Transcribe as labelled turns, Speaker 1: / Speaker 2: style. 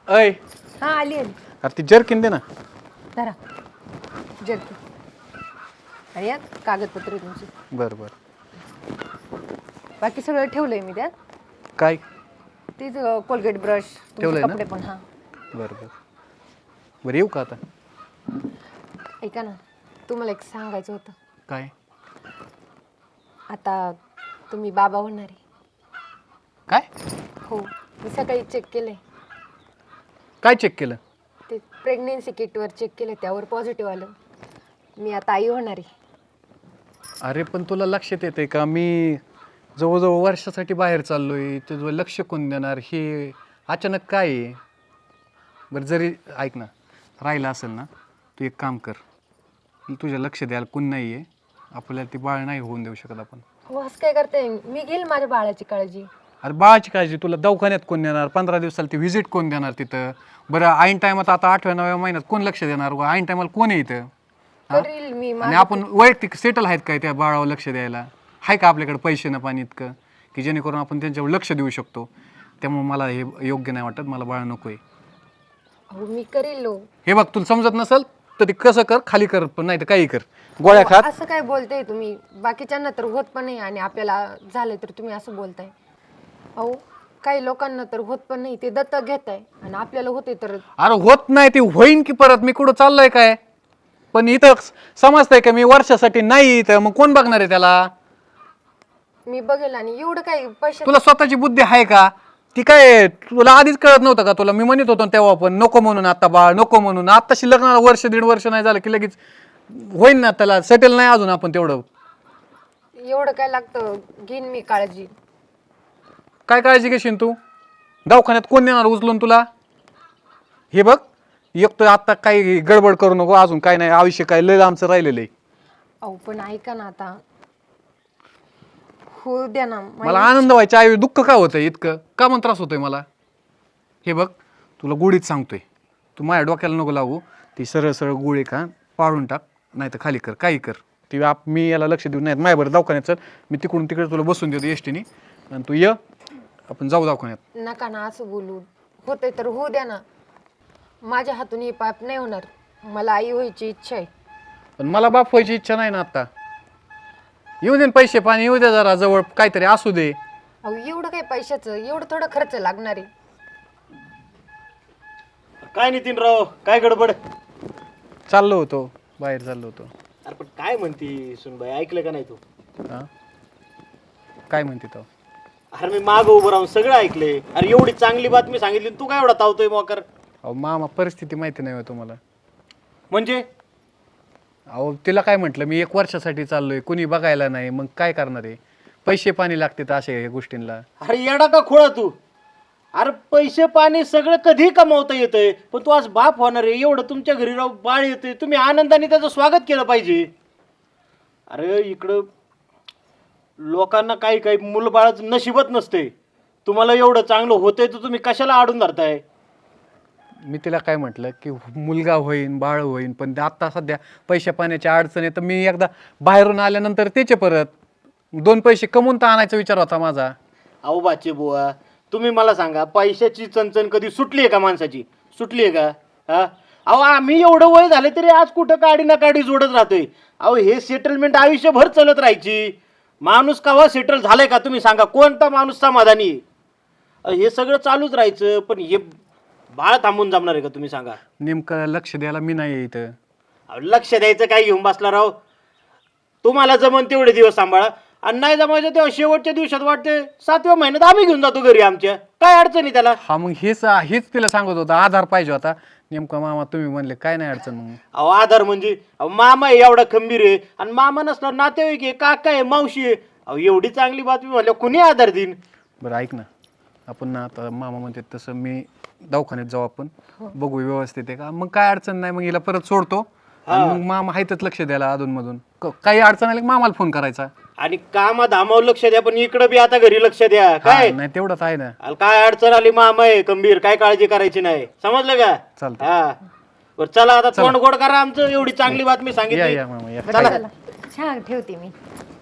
Speaker 1: अय
Speaker 2: हा आली आली.
Speaker 1: अरे ती जर्किन दे ना.
Speaker 2: धरा जर्की आणि यात कागदपत्र आहे तुमची.
Speaker 1: बरं बरं.
Speaker 2: बाकी सगळं ठेवलंय मी त्यात.
Speaker 1: काय
Speaker 2: तीच कोलगेट ब्रश तुमचे
Speaker 1: ठेवलंय ना?
Speaker 2: कपडे पण. हा
Speaker 1: बरं बरं. बरं येऊ का आता?
Speaker 2: ऐका ना, तुम्हाला एक सांगायचं होतं.
Speaker 1: काय
Speaker 2: आता तुम्ही बाबा होणार आहे.
Speaker 1: काय
Speaker 2: हो, मी सकाळी चेक केलंय.
Speaker 1: काय चेक केलं?
Speaker 2: ते प्रेग्नेन्सी किटवर चेक केलं, त्यावर पॉझिटिव्ह आलं. मी आता आई होणार आहे.
Speaker 1: अरे पण तुला लक्षात येते का मी जवळजवळ वर्षासाठी बाहेर चाललोय, तुझं लक्ष कोण देणार? हे अचानक काय आहे? बरं जरी ऐक ना, राहिलं असेल ना, तू एक काम कर, तुझ्या लक्ष द्यायला कोण नाही आहे, आपल्याला ती बाळ नाही होऊन देऊ शकत आपण.
Speaker 2: हो, असं काय करताय? मी घेईल माझ्या बाळाची काळजी.
Speaker 1: अरे बाळाची काळजी तुला दवाखान्यात कोण देणार? 15 दिवसाला ती व्हिजिट कोण देणार तिथं? बरं ऐन टायमात आता 8व्या-9व्या महिन्यात कोण लक्ष देणार? ऐन टायमाला कोण आहे इथं?
Speaker 2: करील मी.
Speaker 1: आणि आपण वैयक्तिक सेटल आहेत काय त्या बाळावर लक्ष द्यायला? आहे का आपल्याकडे पैसे ना पाणी इतकं की जेणेकरून आपण त्यांच्यावर लक्ष देऊ शकतो? त्यामुळे मला हे योग्य नाही वाटत, मला बाळ नको आहे.
Speaker 2: हो, मी करील.
Speaker 1: हे बघ तुला समजत नसेल तर ते कसं कर, खाली कर, पण नाही तर काही कर, गोळ्या खात.
Speaker 2: असं काय बोलताय तुम्ही? बाकीच्यांना तर होत पण नाही आणि आपल्याला झालं तर तुम्ही असं बोलताय. अहो, काही लोकांना तर होत पण नाही, ते दत्तक घेताय आणि आपल्याला होते तर.
Speaker 1: अरे होत नाही ते होईन की परत, मी कुठं चाललोय काय? पण इथं समजतंय का मी वर्षासाठी नाही, तर मग कोण बघणार आहे त्याला?
Speaker 2: मी बघेल. आणि एवढं काय पैसे?
Speaker 1: तुला स्वतःची बुद्धी आहे का? ती काय तुला आधीच कळत नव्हतं का? तुला मी म्हणत होतो तेव्हा पण नको म्हणून, आता बाळ नको म्हणून. आताशी लग्नाला वर्ष दीड वर्ष नाही झालं की लगेच होईन ना, त्याला सेटल नाही अजून आपण तेवढं.
Speaker 2: एवढं काय लागतं? घेईन मी काळजी.
Speaker 1: काय काळजी घेशील तू? दवाखान्यात कोण देणार उचलून तुला? हे बघ, एक तर आता काही गडबड करू नको, अजून काय नाही, आयुष्य काय लय आमचं राहिलेलं आहे.
Speaker 2: अहो पण ऐका ना, आता हो द्या ना.
Speaker 1: मला आनंद व्हायचा, आई दुःख का होतंय इतकं? का मग त्रास होतोय मला? हे बघ तुला गोळीच सांगतोय, तू माझ्या डोक्याला नको लावू. ती सरळ सरळ गोळी का पाडून टाक, नाही तर खाली कर, काही कर. ती मी याला लक्ष देऊ नाही माझ्याबरोबर दवाखान्यात चल, मी तिकडून तिकडे तुला बसून देतो एसटीने आणि तू ये, आपण जाऊ दवाखान्यात.
Speaker 2: नका ना असं बोलू. होतंय तर होऊ द्या ना. माझ्या हातून हे पाप नाही होणार. मला आई व्हायची इच्छा आहे.
Speaker 1: पण मला बाप व्हायची इच्छा नाही ना आता. येऊ दे पैसे पाणी, येऊ दे जरा जवळ काहीतरी असू दे.
Speaker 2: अहो एवढं काय पैशाचं, एवढं थोडं खर्च लागणार आहे.
Speaker 3: काय नितीनराव, काय गडबड?
Speaker 1: चाललो होतो बाहेर, चाललो होतो.
Speaker 3: अरे पण काय म्हणती सुनबाई, ऐकलं का नाही तू?
Speaker 1: हा काय म्हणते तो?
Speaker 3: अरे मी मागं उभं राहून सगळं ऐकले. अरे एवढी चांगली बातमी सांगितली, तू काय एवढा तावतोय मोकर?
Speaker 1: अहो मामा परिस्थिती माहिती नाही हो तुम्हाला.
Speaker 3: म्हणजे
Speaker 1: अहो तिला काय म्हटलं मी 1 वर्षासाठी चाललोय, कुणी बघायला नाही, मग काय करणार आहे? पैसे पाणी लागते तर अशा गोष्टींना.
Speaker 3: अरे येडा का खोळा तू? अरे पैसे पाणी सगळं कधी कमावता येतंय, पण तू आज बाप होणार आहे, एवढं तुमच्या घरी राहू बाळ येते, तुम्ही आनंदाने त्याचं स्वागत केलं पाहिजे. अरे इकडं लोकांना काही काही मुलबाळच नशिबत नसते. तुम्हाला एवढं चांगलं होतंय तर तुम्ही कशाला आडून धरताय?
Speaker 1: मी तिला काय म्हटलं की मुलगा होईन बाळ होईन, पण आता सध्या पैशा पाण्याची अडचण आहे, तर मी एकदा बाहेरून आल्यानंतर त्याचे परत 2 पैसे कमवून तर आणायचा विचार होता माझा.
Speaker 3: अहो बाचे बुवा, तुम्ही मला सांगा, पैशाची चणचण कधी सुटली आहे का माणसाची? सुटली आहे का? हा, अहो आम्ही एवढं वय झाले तरी आज कुठं काडी ना काडी जोडत राहतोय. अहो हे सेटलमेंट आयुष्यभर चालत राहायची. माणूस केव्हा सेटल झालाय का तुम्ही सांगा? कोणता माणूस समाधानी? हे सगळं चालूच राहायचं, पण हे बाळ थांबून जमणार आहे का तुम्ही सांगा?
Speaker 1: नेमकं लक्ष द्यायला मी नाही इथं.
Speaker 3: अहो लक्ष द्यायचं काय घेऊन बसला राव? तुम्हाला जमन तेवढे दिवस सांभाळा, आणि नाही जमायचं तेव्हा शेवटच्या दिवसात वाटते 7व्या महिन्यात आम्ही घेऊन जातो घरी आमच्या. काय अडचणी त्याला?
Speaker 1: हा मग हेच तिला सांगत होता, आधार पाहिजे होता. नेमका मामा तुम्ही म्हणले काय नाही अडचण. मग
Speaker 3: अहो आधार म्हणजे अहो मामा आहे एवढा खंबीर आहे, आणि मामा नसला नातेवाईक आहे, काका आहे, मावशी आहे. अहो एवढी चांगली बातमी म्हणल्या कुणी आधार देईन?
Speaker 1: बरं ऐक ना, आपण ना आता मामा म्हणते तसं मी दवाखान्यात जाऊ, आपण बघू व्यवस्थित आहे का, मग काय अडचण नाही, मग हिला परत सोडतो आणि मग मामा आहेतच लक्ष द्यायला अधूनमधून. काही अडचण आली की मामाला फोन करायचा.
Speaker 3: आणि कामा धामावर लक्ष द्या, पण इकडं बी आता घरी लक्ष द्या. काय
Speaker 1: नाही तेवढंच आहे ना.
Speaker 3: अरे काय अडचण आली मामा आहे खंबीर, काय काळजी करायची नाही, समजलं का?
Speaker 1: चालतं.
Speaker 3: हा बरं चला आता तोंड गोड करा आमचं, एवढी चांगली बातमी
Speaker 1: या
Speaker 3: सांगितली.
Speaker 1: या मामा या.
Speaker 3: चला.
Speaker 2: चला छान ठेवते मी.